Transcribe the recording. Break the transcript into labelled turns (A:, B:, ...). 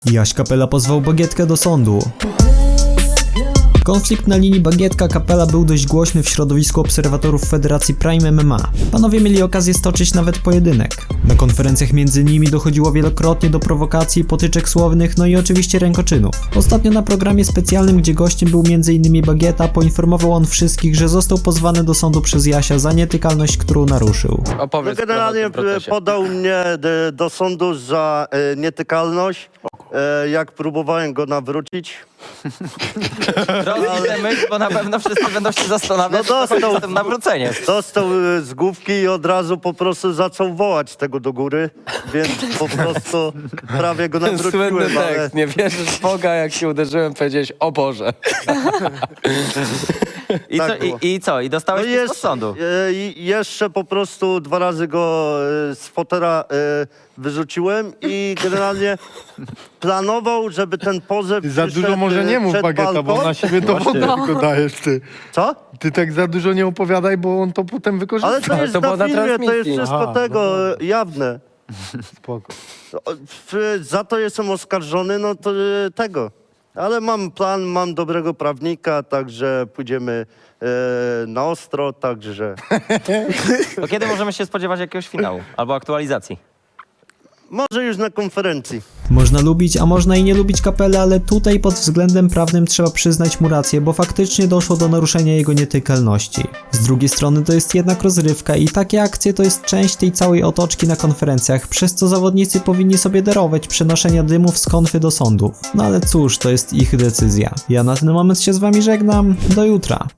A: Jaś Kapela pozwał Bagietkę do sądu. Konflikt na linii Bagietka-Kapela był dość głośny w środowisku obserwatorów Federacji Prime MMA. Panowie mieli okazję stoczyć nawet pojedynek. Na konferencjach między nimi dochodziło wielokrotnie do prowokacji, potyczek słownych, no i oczywiście rękoczynów. Ostatnio na programie specjalnym, gdzie gościem był m.in. Bagieta, poinformował on wszystkich, że został pozwany do sądu przez Jasia za nietykalność, którą naruszył.
B: Opowiedz
C: Generalnie podał mnie do sądu za nietykalność, jak próbowałem go nawrócić.
B: Rozwij tę myśl, bo na pewno wszyscy będą się zastanawiać,
C: No dostał.
B: co tym nawrócenie.
C: Dostał z główki i od razu po prostu zaczął wołać tego do góry, więc po prostu prawie go
D: Ten słynny
C: nawróciłem, ale...
D: tekst, nie wierzysz w Boga, jak się uderzyłem, powiedziałeś, o Boże.
B: I,
C: Tak
B: co,
C: było.
B: i co? I dostałeś pismo z sądu?
C: I jeszcze po prostu 2 razy go z fotela wyrzuciłem i generalnie planował, żeby ten pozew
E: Ty za
C: przyszedł
E: dużo może nie mów,
C: przed
E: Bagieta, bo
C: balkon.
E: na siebie dowody tylko dajesz, ty.
C: Co?
E: Ty tak za dużo nie opowiadaj, bo on to potem wykorzysta.
C: Ale to jest
D: to było
C: na
D: na
C: filmie, to jest
D: transmisji.
C: wszystko
E: Aha,
C: tego jawne.
E: Spoko.
C: Za to jestem oskarżony, no to tego. Ale mam plan, mam dobrego prawnika, także pójdziemy na ostro, także...
B: To kiedy możemy się spodziewać jakiegoś finału albo aktualizacji?
C: Może już na konferencji.
A: Można lubić, a można i nie lubić Kapelę, ale tutaj pod względem prawnym trzeba przyznać mu rację, bo faktycznie doszło do naruszenia jego nietykalności. Z drugiej strony to jest jednak rozrywka i takie akcje to jest część tej całej otoczki na konferencjach, przez co zawodnicy powinni sobie darować przenoszenia dymów z konfy do sądów. No ale cóż, to jest ich decyzja. Ja na ten moment się z wami żegnam, do jutra.